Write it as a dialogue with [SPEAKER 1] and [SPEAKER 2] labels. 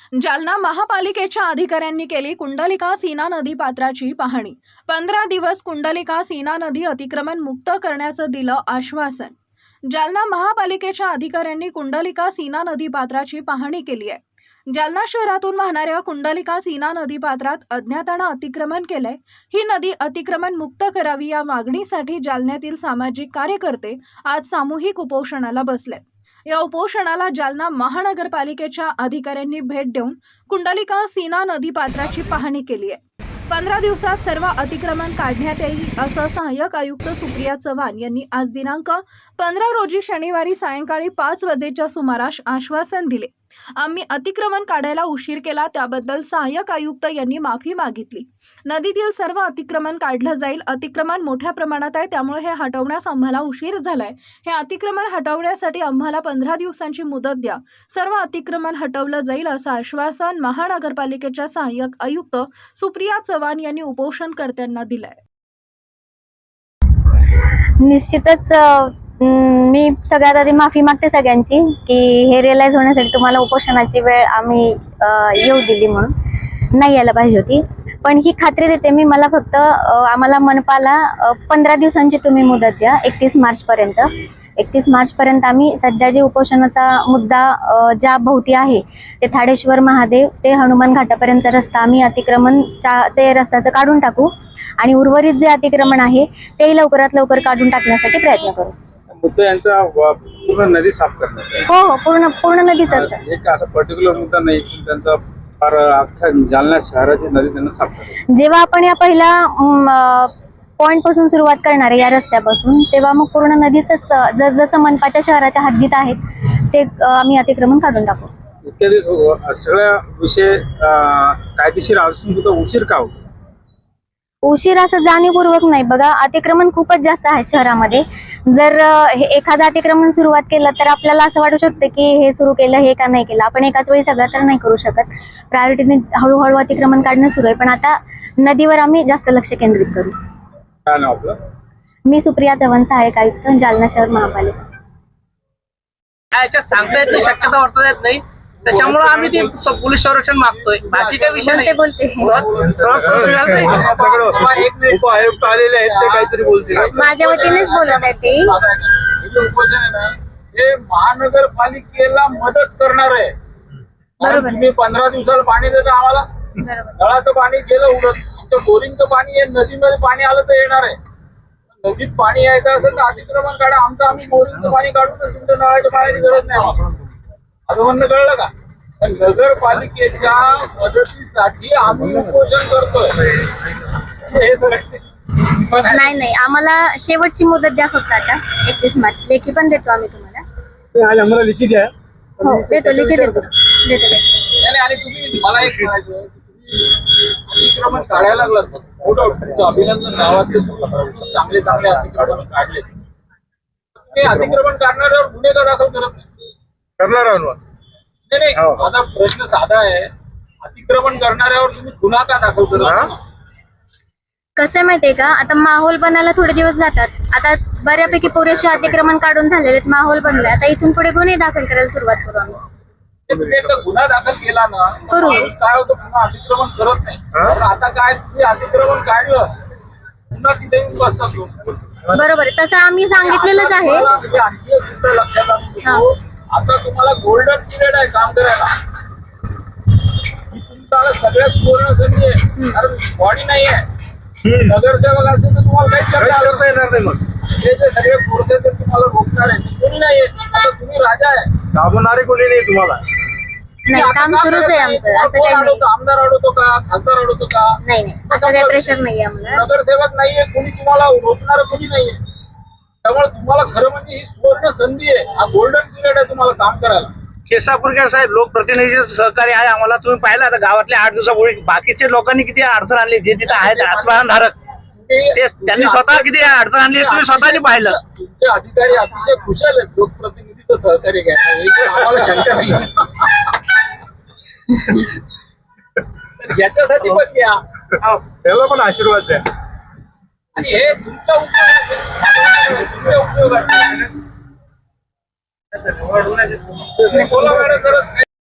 [SPEAKER 1] जालना महापालिकेच्या अधिकाऱ्यांनी केली कुंडलिका सीना नदी पात्राची पाहणी। 15 दिवस कुंडलिका सीना नदी अतिक्रमण मुक्त करण्याचं दिलं आश्वासन। जालना महापालिकेच्या अधिकाऱ्यांनी कुंडलिका सीना नदी पात्राची पाहणी केली आहे। जालना शहरातून वाहणाऱ्या कुंडलिका सीना नदी पात्रात अज्ञातानं अतिक्रमण केलंय। ही नदी अतिक्रमण मुक्त करावी या मागणीसाठी जालन्यातील सामाजिक कार्यकर्ते आज सामूहिक उपोषणाला बसलेत। या उपोषणाला जालना महानगरपालिकेच्या अधिकाऱ्यांनी भेट देऊन कुंडलिका सीना नदी पात्राची पाहणी केली आहे। 15 दिवसात सर्व अतिक्रमण काढण्यात येईल असं सहाय्यक आयुक्त सुप्रिया चव्हाण यांनी आज दिनांक 15 रोजी शनिवारी सायंकाळी 5 वाजेच्या सुमारास आश्वासन दिले। आम्ही अतिक्रमण काढायला उशीर केला त्याबद्दल सहाय्यक आयुक्त यांनी माफी मागितली। नदीतील सर्व अतिक्रमण काढलं जाईल। अतिक्रमण मोठ्या प्रमाणात आहे त्यामुळे हे हटवण्यास आम्हाला उशीर झालाय। हे अतिक्रमण हटवण्यासाठी आम्हाला 15 दिवसांची मुदत द्या। सर्व अतिक्रमण हटवलं जाईल असं आश्वासन महानगरपालिकेच्या सहाय्यक आयुक्त सुप्रिया चव्हाण यांनी उपोषणकर्त्यांना दिलंय।
[SPEAKER 2] निश्चितच मी सगळ्यात आधी माफी मागते सगळ्यांची की हे रिअलाइज होण्यासाठी तुम्हाला उपोषणाची वेळ आम्ही येऊ दिली म्हणून नाही यायला पाहिजे होती। पण ही खात्री देते मी, मला फक्त आम्हाला मनपाला 15 दिवसांची तुम्ही मुदत द्या 31 मार्च पर्यंत। 31 मार्च पर्यंत आम्ही सध्या जे उपोषणाचा मुद्दा ज्या भोवती आहे ते थाडेश्वर महादेव ते हनुमान घाटापर्यंतचा रस्ता आम्ही अतिक्रमण ते रस्त्याचं काढून टाकू आणि उर्वरित जे अतिक्रमण आहे ते लवकरात लवकर काढून टाकण्यासाठी प्रयत्न करू।
[SPEAKER 3] मुद्दा यांचा पूर्ण नदी साफ करण्याचा
[SPEAKER 2] हो पूर्ण नदीचाच
[SPEAKER 3] एक असा पर्टिक्युलर मुद्दा नाही की त्यांचा फार अख्खा जालना शहराची नदी त्यांना साफ करायची।
[SPEAKER 2] जेव्हा आपण या पहिल्या पॉइंट पासून सुरुवात करणार आहे या रस्त्यापासून तेव्हा मग पूर्ण नदीच जसं मनपाच्या शहराच्या हद्दीत आहेत ते आम्ही अतिक्रमण काढून टाकू।
[SPEAKER 3] इतक्या दिवस सगळ्या विषय कायदेशीर असून सुद्धा उशीर का होतो?
[SPEAKER 2] उशीर असं जाणीवपूर्वक नाही बघा, अतिक्रमण खूपच जास्त आहे शहरामध्ये। जर एखादं अतिक्रमण सुरुवात केलं तर आपल्याला असं वाटू शकतं की हे सुरू केलं हे का नाही केलं। आपण एकाच वेळी सगळं तर नाही करू शकत, प्रायोरिटीने हळूहळू अतिक्रमण काढणं सुरू आहे। पण आता नदीवर आम्ही जास्त लक्ष केंद्रित करू।
[SPEAKER 3] काय नाव आपलं?
[SPEAKER 2] मी सुप्रिया चव्हाण, सहाय्यक आयुक्त, जालना शहर महापालिका।
[SPEAKER 4] याच्यात सांगता येत नाही, शक्यता वर्तता येत नाही, त्याच्यामुळे आम्ही ते पोलीस संरक्षण मागतोय। बाकी काही विषय नाही।
[SPEAKER 3] उपायुक्त आलेले आहेत ते काहीतरी बोलतील।
[SPEAKER 2] माझ्या वतीनेच बोलत आहे ते।
[SPEAKER 5] उपोषण आहे ना हे महानगरपालिकेला मदत करणार आहे।
[SPEAKER 2] बरोबर।
[SPEAKER 5] तुम्ही 15 दिवसाला पाणी देता आम्हाला, नळाचं पाणी गेलं उडत, आमचं बोरिंगचं पाणी आहे, नदीमध्ये पाणी आलं तर येणार आहे। नदीत पाणी यायचं असेल तर अतिक्रमण काढा, आमचं आम्ही बोरिंगचं पाणी काढून तुमच्या नळाच्या पाण्याची गरज नाही आम्हाला। असं म्हणणं कळलं का? नगरपालिकेच्या मदतीसाठी आम्ही उपोषण करतोय हे
[SPEAKER 2] नाही आम्हाला शेवटची मुदत द्या फक्त आता 31 मार्च। लेखी पण देतो आम्ही तुम्हाला।
[SPEAKER 3] आज आम्हाला लिखित द्या।
[SPEAKER 2] हो देतो, लेखी देतो।
[SPEAKER 5] नाही आणि तुम्ही मला एक म्हणायचं अतिक्रमण काढायला लागलं तुमचं अभिनंदन। गावातले चांगले अतिक्रमण काढले, तुम्ही अतिक्रमण काढणाऱ्यावर गुन्हे का दाखल करत नाही?
[SPEAKER 3] करणार आहोत
[SPEAKER 5] नाही माझा प्रश्न साधा आहे, अतिक्रमण करणाऱ्यावर तुम्ही गुन्हा का दाखल करत?
[SPEAKER 2] कसं माहितीये का, आता माहोल बनायला थोडे दिवस जातात। आता बऱ्यापैकी पुरेसे अतिक्रमण काढून झालेले माहोल बनलाय, आता इथून पुढे गुन्हे दाखल करायला सुरुवात करू आम्ही।
[SPEAKER 5] तुम्ही एकदा गुन्हा दाखल केला ना
[SPEAKER 2] करू।
[SPEAKER 5] माणूस काय होतं पुन्हा अतिक्रमण करत नाही। पण आता काय तुम्ही अतिक्रमण काढलं पुन्हा तिथे येऊन बसतात लोक।
[SPEAKER 2] बरोबर आहे, तसं आम्ही सांगितलेलंच आहे।
[SPEAKER 5] म्हणजे आणखी एक गोष्ट लक्षात आणून देतो, आता तुम्हाला गोल्डन पिरियड आहे काम करायला। ही तुमचा सगळ्यात सुवर्ण संधी आहे, कारण बॉडी नाही आहे। नगरसेवक असेल तर तुम्हाला काहीच करता येणार नाही। मग हे जे सगळे फोर्सेस तुम्हाला रोखणार आहे कोणी नाही आहे। आता तुम्ही राजा आहे, दाबणारे कोणी नाही तुम्हाला।
[SPEAKER 2] नाही काम सुरूच आहे आमचं, असं काही नाही।
[SPEAKER 5] आमदार अडवतो का, खासदार अडवतो का?
[SPEAKER 2] नाही असं काही प्रेशर नाहीये आम्हाला।
[SPEAKER 5] नगरसेवक नाहीये, कोणी तुम्हाला रोखणार कोणी नाहीये। त्यामुळे तुम्हाला खरं म्हणजे ही सुवर्ण संधी आहे, हा गोल्डन पिरियड आहे तुम्हाला काम करायला।
[SPEAKER 4] केसापूरकर साहेब लोकप्रतिनिधीचे सहकार्य आहे आम्हाला। तुम्ही पाहिलं आता गावातल्या 8 दिवसापूर्वी बाकीचे लोकांनी किती अडचण आणली, जे तिथे आहेत आत्मधारक ते त्यांनी स्वतः किती अडचण आणली तुम्ही स्वतःनी पाहिलं।
[SPEAKER 5] तुमचे अधिकारी अतिशय कुशल आहेत लोकप्रतिनिधीचं सहकार्य घ्यायला, आम्हाला शंका नाही। याच्यासाठी पण घ्या,
[SPEAKER 3] त्याला पण आशीर्वाद द्या
[SPEAKER 5] आणि हे तुमच्या उपयोगाचे बोला मॅडम करत